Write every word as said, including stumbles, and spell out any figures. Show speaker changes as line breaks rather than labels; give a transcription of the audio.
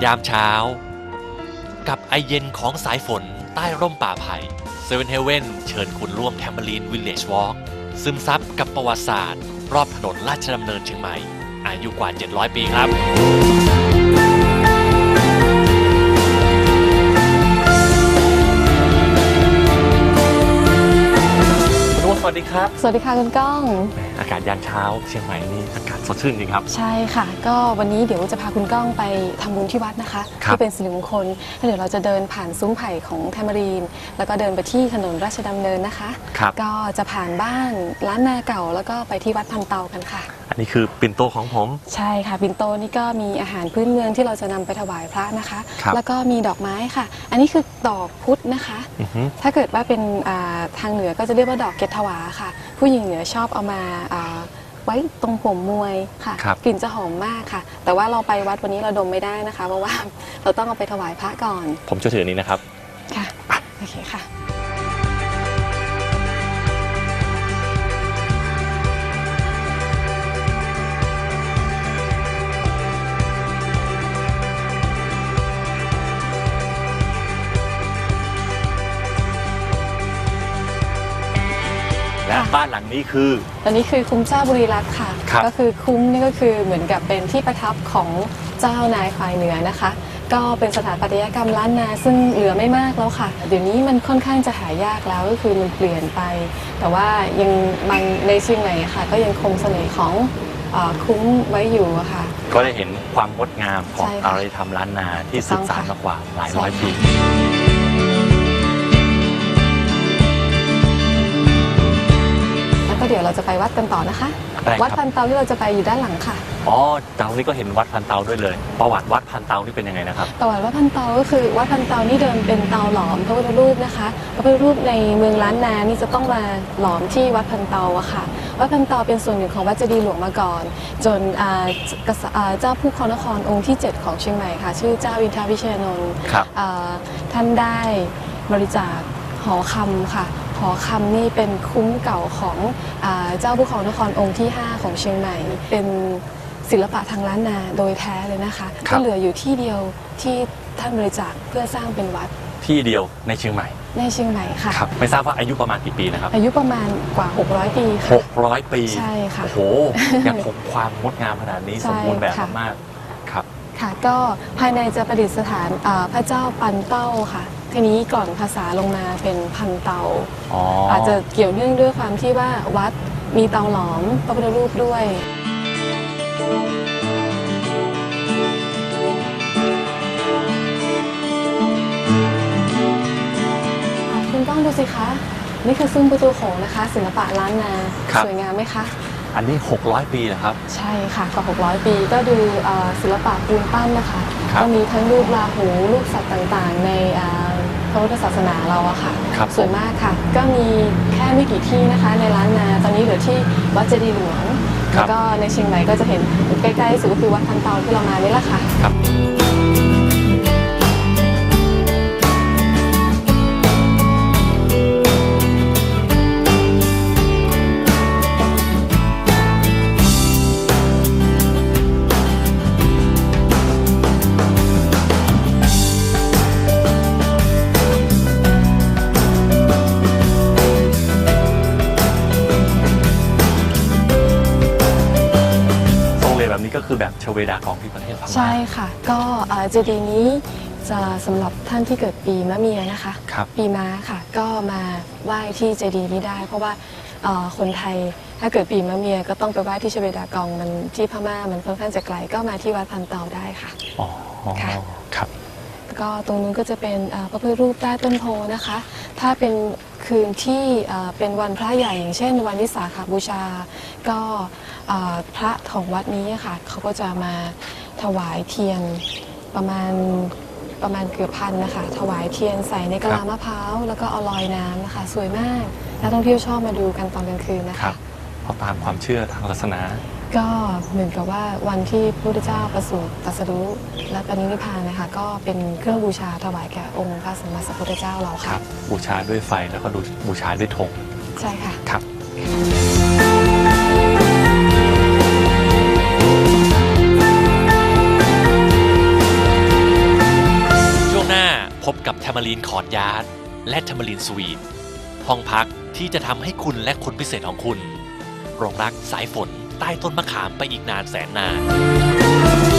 ยามเช้ากับไอเย็นของสายฝนใต้ร่มป่าไผ่เซเว่นเฮเว่นเชิญคุณร่วมแทมเบอรีนวิลเลจวอล์กซึมซับกับประวัติศาสตร์รอบถนนราชดำเนินเชียงใหม่อายุกว่าเจ็ดร้อยปีครับสวัสดีครับ
สวัสดีค่ะคุณก้อง
อากาศยามเช้าเชียงใหม่นี่อากาศสดชื่นจริงครับ
ใช่ค่ะก็วันนี้เดี๋ยวจะพาคุณก้องไปทำบุญที่วัดนะคะที่เป็นสิริมงคลแล้วเดี๋ยวเราจะเดินผ่านซุ้มไผ่ของแทมรีนแล้วก็เดินไปที่ถนนราชดำเนินนะคะก็จะผ่านบ้านร้านนาเก่าแล้วก็ไปที่วัดพันเตากันค่ะ
อันนี้คือปิ่นโตของผม
ใช่ค่ะปิ่นโตนี่ก็มีอาหารพื้นเมืองที่เราจะนำไปถวายพระนะคะแล้วก็มีดอกไม้ค่ะอันนี้คือดอกพุธนะคะถ้าเกิดว่าเป็นทางเหนือก็จะเรียกว่าดอกเกศถวาค่ะผู้หญิงเหนือชอบเอามาไว้ตรงหัวมวยค่ะกลิ่นจะหอมมากค่ะแต่ว่าเราไปวัดวันนี้เราดมไม่ได้นะคะเพราะว่าเราต้องเอาไปถวายพระก่อน
ผมจะถือนี้นะครับ
ค่ะโอเคค่ะ
และบ้านหลังนี้คือ
อันนี้คือคุ้มเจ้าบุรีรัตน์ค่ะก็คือคุ้มนี่ก็คือเหมือนกับเป็นที่ประทับของเจ้านายฝ่ายเหนือนะคะก็เป็นสถาปัตยกรรมล้านนาซึ่งเหลือไม่มากแล้วค่ะเดี๋ยวนี้มันค่อนข้างจะหายากแล้วก็คือมันเปลี่ยนไปแต่ว่ายังบางในเชียงใหม่ค่ะก็ยังคงเสน่ห์ของคุ้มไว้อยู่ค่ะ
ก็ได้เห็นความงดงามของอารยธรรมล้านนาที่สืบสานมากว่าหลายร้อยปี
ก็เดี๋ยวเราจะไปวัดกันต่อนะคะวัดพันเตาที่เราจะไปอยู่ด้านหลังค่ะ
อ๋อตรงนี้ก็เห็นวัดพันเตาด้วยเลยประวัติวัดพันเตานี่เป็นยังไงนะครับ
ประวัติวัดพันเตาก็คือวัดพันเตานี่เดิมเป็นเตาหลอมพระพุทธรูปนะคะพระพุทธรูปในเมืองล้านนานี่จะต้องมาหลอมที่วัดพันเตาอะค่ะวัดพันเตาเป็นส่วนหนึ่งของวัดเจดีย์หลวงมาก่อนจนเจ้าผู้ครองนครองค์ที่เจ็ดของเชียงใหม่ค่ะชื่อเจ้าอินทรวิเชยนนท์ท่านได้บริจาคหอคำค่ะหอคำนี่เป็นคุ้มเก่าของเจ้าผู้ครองนครองค์ที่ห้าของเชียงใหม่เป็นศิลปะทางล้านนาโดยแท้เลยนะคะก็เหลืออยู่ที่เดียวที่ท่านบริจาคเพื่อสร้างเป็นวัด
ที่เดียวในเชียงใหม่
ในเชียงใหม่ค่ะ
ครับไม่ทราบว่าอายุประมาณกี่ปีนะครับ
อายุประมาณกว่าหกร้อยปีค่ะ
หกร้อยปี
ใช่ค่ะ
โอ้โหยังคงความงดงามขนาดนี้สมบูรณ์แบบมากครับ
ค่ะก็ภายในจะประดิษฐานพระเจ้าปันเต้าค่ะทีนี้ก่อนภาษาลงมาเป็นพันเตา อ, อาจจะเกี่ยวเนื่องด้วยความที่ว่าวัดมีเตาหลอมพระพุทธรูปด้วยคุณต้องดูสิคะนี่คือซุ้มประตูโขงนะคะศิลปะล้านนาสวยงามไหมคะ
อันนี้หกร้อยปีเหรอครับ
ใช่ค่ะกว่าหกร้อยปีก็ดูศิลปะปูนปั้นนะคะก็มีทั้งรูปราหูรูปสัตว์ต่างๆในพระพุทธศาสนาเราอะค่ะสวยมากค่ะก็มีแค่ไม่กี่ที่นะคะในล้านนาตอนนี้เหลือที่วัดเจดีย์หลวงแล้วก็ในเชียงใหม่ก็จะเห็นใกล้ๆสุดก็คือวัดพันเตาที่เรามานี่แหละค่ะ
นี่ก็คือแบบชเวดากองที่ประเทศพม่า
ใช่ค่ะก็เจดีย์นี้จะสำหรับท่านที่เกิดปีมะเมียนะคะปีม้าค่ะก็มาไหว้ที่เจดีย์นี้ได้เพราะว่าคนไทยถ้าเกิดปีมะเมียก็ต้องไปไหว้ที่ชเวดากองมันที่พม่ามันค่อนข้างจะไกลก็มาที่วัดพันเตาได้ค่ะ
อ๋อค่ะครับ
ก็ตรงนู้นก็จะเป็นพระพุทธรูปใต้ต้นโพนะคะถ้าเป็นคืนที่เป็นวันพระใหญ่อย่างเช่นวันวิสาขบูชาก็พระของวัดนี้ค่ะเขาก็จะมาถวายเทียนประมาณประมาณเกือบพันนะคะถวายเทียนใส่ในกะลามะพร้าวแล้วก็เอาลอยน้ำนะคะสวยมากนักท่องเที่ยวชอบมาดูกันตอนกลางคืนนะคะ
เพราะตามความเชื่อทางศาสนา
ก็เหมือนกับว่าวันที่พระพุทธเจ้าประสูติตรัสรู้และปรินิพพานนะคะก็เป็นเครื่องบูชาถวายแก่องค์พระสัมมาสัมพุทธเจ้าเราค่ะ
บูชาด้วยไฟแล้วก็บูชาด้วยธง
ใช่ค่ะ
ครับรีนคอร์ทยาร์ดและแทมเบอรีนสวีทห้องพักที่จะทำให้คุณและคนพิเศษของคุณหลงรักสายฝนใต้ต้นมะขามไปอีกนานแสนนาน